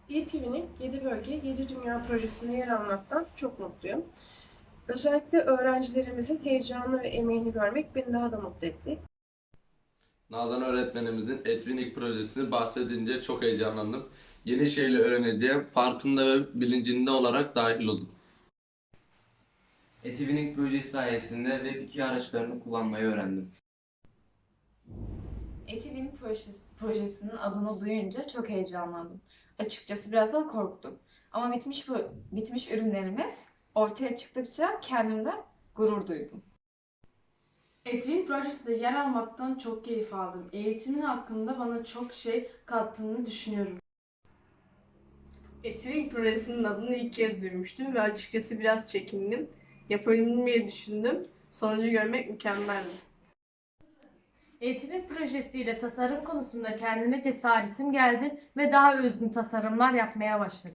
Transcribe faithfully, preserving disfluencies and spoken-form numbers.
E T V'nin yedi bölge yedi dünya projesinde yer almaktan çok mutluyum. Özellikle öğrencilerimizin heyecanını ve emeğini görmek beni daha da mutlu etti. Nazan öğretmenimizin Etvinlik projesini bahsedince çok heyecanlandım. Yeni şeyler öğreneceğim, farkında ve bilincinde olarak dahil oldum. Etivinik projesi sayesinde Web iki araçlarını kullanmayı öğrendim. Etiwin projesi, projesinin adını duyunca çok heyecanlandım. Açıkçası biraz da korktum. Ama bitmiş bu bitmiş ürünlerimiz ortaya çıktıkça kendimde gurur duydum. Etwin projesinde yer almaktan çok keyif aldım. Eğitimin hakkında bana çok şey kattığını düşünüyorum. Etwin projesinin adını ilk kez duymuştum ve açıkçası biraz çekindim. Yapabildim diye düşündüm. Sonucu görmek mükemmeldi. Eğitimin projesiyle tasarım konusunda kendime cesaretim geldi ve daha özgün tasarımlar yapmaya başladım.